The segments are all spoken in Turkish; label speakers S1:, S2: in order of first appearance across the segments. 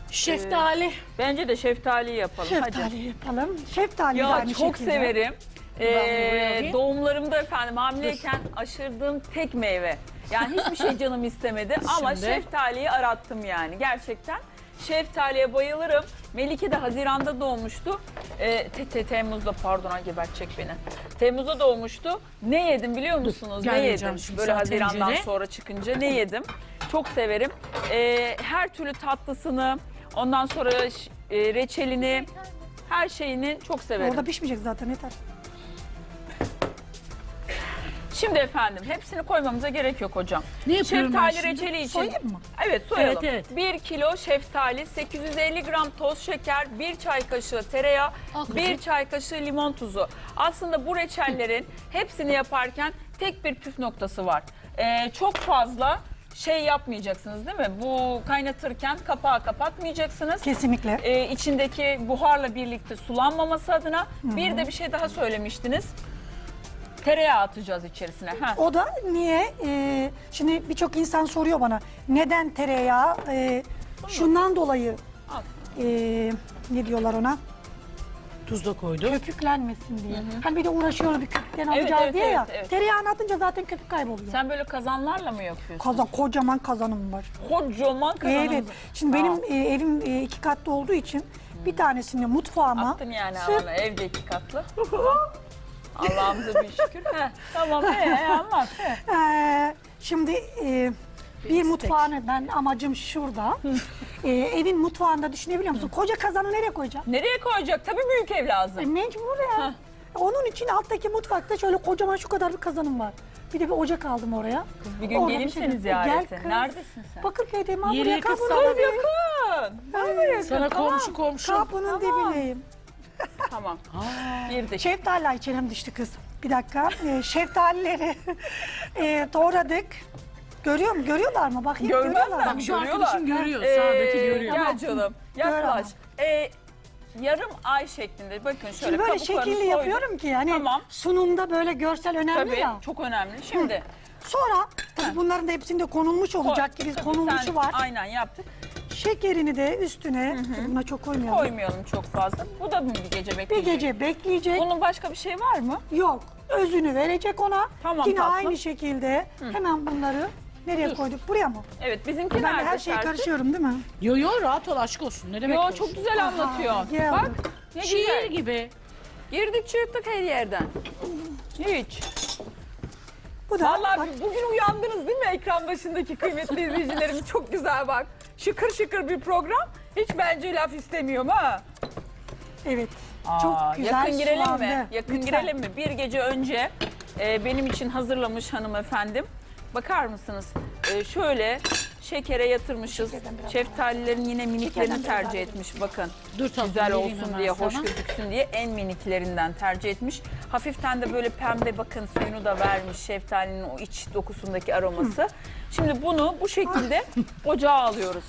S1: Şeftali.
S2: Bence de şeftali yapalım.
S3: Şeftali
S2: Hadi.
S3: yapalım. Şeftali de
S2: Ya
S3: aynı
S2: çok
S3: şekilde.
S2: severim.
S1: buraya
S2: Doğumlarımda efendim hamileyken aşırdığım tek meyve. Yani hiçbir şey canım istemedi ama
S1: Şimdi?
S2: şeftaliyi arattım yani gerçekten. Şeftaliye bayılırım. Melike de Haziran'da doğmuştu. Temmuz'da pardon gebertecek beni. Temmuz'da doğmuştu. Ne yedim biliyor musunuz? Ne
S1: gelmeyeceğim
S2: yedim?
S1: şimdi
S2: Böyle
S1: sana
S2: Haziran'dan
S1: tencere.
S2: sonra çıkınca ne yedim? Çok severim. Her türlü tatlısını, ondan sonra reçelini, her şeyini çok severim.
S3: Orada pişmeyecek zaten yeter.
S2: Şimdi efendim hepsini koymamıza gerek yok hocam.
S1: Ne yapıyorum ben
S2: Şeftali
S1: şimdi?
S2: reçeli için.
S3: Soyayım mı?
S2: Evet soyalım.
S1: Evet, evet.
S2: 1 kilo şeftali, 850 gram toz şeker, 1 çay kaşığı tereyağı,
S1: Al kızım.
S2: 1 çay kaşığı limon tuzu. Aslında bu reçellerin hepsini yaparken tek bir püf noktası var. Çok fazla şey yapmayacaksınız değil mi? Bu kaynatırken kapağı kapatmayacaksınız.
S3: Kesinlikle.
S2: İçindeki buharla birlikte sulanmaması adına. Bir de bir şey daha söylemiştiniz. Tereyağı atacağız içerisine. Ha.
S3: O da niye? Şimdi birçok insan soruyor bana. Neden tereyağı? Şundan dolayı
S2: Al.
S3: ne diyorlar ona?
S1: Tuz da koydum.
S3: Köpüklenmesin diye. Hani bir de uğraşıyoruz bir köpükten alacağız
S2: evet,
S3: diye
S2: evet,
S3: ya.
S2: evet.
S3: Tereyağını atınca zaten köpük kayboluyor.
S2: Sen böyle kazanlarla mı yapıyorsun?
S3: Kocaman kazanım var.
S2: Kocaman kazanımız.
S3: Evet. Şimdi benim evim 2 katlı olduğu için bir tanesini mutfağıma
S2: Attın yani
S3: sırf-
S2: ama evde 2 katlı. Allah'ımıza bir şükür. Heh, tamam anlat.
S3: Şimdi bir mutfağını ben amacım şurada. Evin mutfağında düşünebiliyor musun? Koca kazanı nereye koyacağım?
S2: Nereye koyacak? Tabii büyük ev lazım.
S3: Mecbur ya. Onun için alttaki mutfakta şöyle kocaman şu kadar bir kazanım var. Bir de bir ocak aldım oraya.
S2: Bir gün
S3: Orada
S2: geleyim
S3: bir şey-
S2: seni ziyarete.
S3: Gel kız.
S2: Neredesin sen?
S3: Bakırköy'deyim. Ha,
S1: Yere
S3: buraya
S1: yakın
S3: kapının
S1: sana
S3: dibindeyim.
S2: Yakın.
S1: Sana komşu komşu.
S3: Kapının dibindeyim.
S2: Tamam. Bir de
S3: Şeftali içerim düştü kız. Bir dakika. Şeftalileri doğradık. Görüyorlar mı? Bakayım
S2: Görmezler
S3: görüyorlar mı?
S1: Şu
S2: Görüyorlar.
S1: arkadaşım görüyor. Sağdaki görüyor.
S2: Gel canım. Yaklaş. Yarım ay şeklinde. Bakın şöyle
S3: Şimdi böyle
S2: kabuklarını
S3: şekilli
S2: soydum.
S3: yapıyorum ki yani
S2: Tamam.
S3: sunumda böyle görsel önemli
S2: Tabii
S3: ya.
S2: çok önemli. Şimdi
S3: Sonra tabii bunların da hepsinde konulmuş olacak gibi
S2: tabii
S3: konulmuşu
S2: sen
S3: var.
S2: Aynen yaptık.
S3: Şekerini de üstüne, buna çok koymayalım.
S2: Koymayalım çok fazla. Bu da mı bir gece
S3: Bir
S2: bekleyecek?
S3: gece bekleyecek.
S2: Bunun başka bir şey var mı?
S3: Yok. Özünü verecek ona.
S2: Tamam,
S3: Yine
S2: tatlım.
S3: aynı şekilde hemen bunları nereye koyduk? Buraya mı?
S2: Evet bizimki
S3: Ben de
S2: nerede
S3: her şeyi
S2: Serpil?
S3: karışıyorum değil mi?
S1: Yo yo rahat ol aşk olsun. Ne demek
S2: Yo
S1: karışık?
S2: çok güzel anlatıyorsun.
S3: geldi.
S2: Bak ne
S1: Şiir
S2: güzel.
S1: gibi.
S2: Girdik çıktık her yerden. Hiç.
S3: Bu da
S2: Vallahi
S3: bak,
S2: bugün uyandınız değil mi ekran başındaki kıymetli izleyicilerimiz? Çok güzel bak. Şıkır şıkır bir program. Hiç bence laf istemiyorum ha.
S3: evet.
S2: Aa,
S3: Çok güzel
S2: yakın girelim
S3: sulandı.
S2: mi? Yakın
S3: Lütfen.
S2: girelim mi? Bir gece önce benim için hazırlamış hanımefendim. Bakar mısınız? Şöyle şekere yatırmışız. Şeftalilerin yine miniklerini tercih etmiş. Bakın.
S1: Dur tatlım,
S2: Güzel
S1: vereyim
S2: olsun
S1: hemen
S2: diye, hoş
S1: sana.
S2: gözüksün diye en miniklerinden tercih etmiş. Hafiften de böyle pembe bakın suyunu da vermiş şeftalinin o iç dokusundaki aroması. Şimdi bunu bu şekilde ocağa alıyoruz.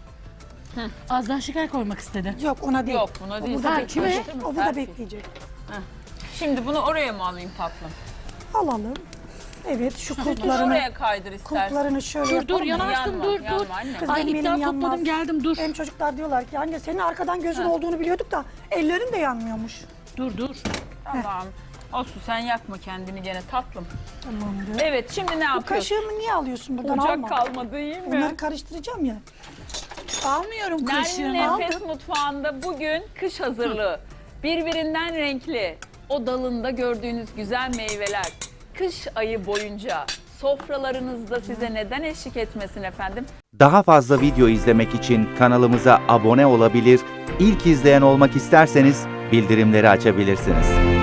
S1: Az daha şeker koymak istedi.
S3: Yok ona değil.
S2: Yok buna değil.
S3: O burada
S1: Ha,
S3: bekleyecek.
S1: kime?
S3: O burada bekleyecek.
S2: Şimdi bunu oraya mı alayım tatlım?
S3: Alalım. Evet şu
S2: Bunu
S3: kulplarını,
S2: oraya kaydır istersen.
S3: kulplarını şöyle
S1: Dur dur
S3: yapalım.
S1: yanarsın
S2: Yanma,
S1: dur
S2: yanma
S1: dur.
S2: anne.
S3: Kız
S1: Ay
S3: benim
S1: iptal
S3: elim
S1: topladım
S3: yanmaz.
S1: geldim dur.
S3: Benim çocuklar diyorlar ki anne senin arkadan gözün olduğunu biliyorduk da ellerin de yanmıyormuş.
S1: Dur.
S2: Tamam. Olsun sen yakma kendini gene tatlım.
S3: Tamamdır.
S2: Evet şimdi ne
S3: Bu
S2: yapıyorsun?
S3: kaşığımı niye alıyorsun buradan
S2: Ocak
S3: alma.
S2: kalmadı iyi mi?
S3: Bunları karıştıracağım ya.
S1: Almıyorum
S2: Nermin
S1: kaşığını.
S2: Nefes Mutfağı'nda bugün kış hazırlığı. Birbirinden renkli o dalında gördüğünüz güzel meyveler. Kış ayı boyunca sofralarınızda size neden eşlik etmesin efendim?
S4: Daha fazla video izlemek için kanalımıza abone olabilir, ilk izleyen olmak isterseniz bildirimleri açabilirsiniz.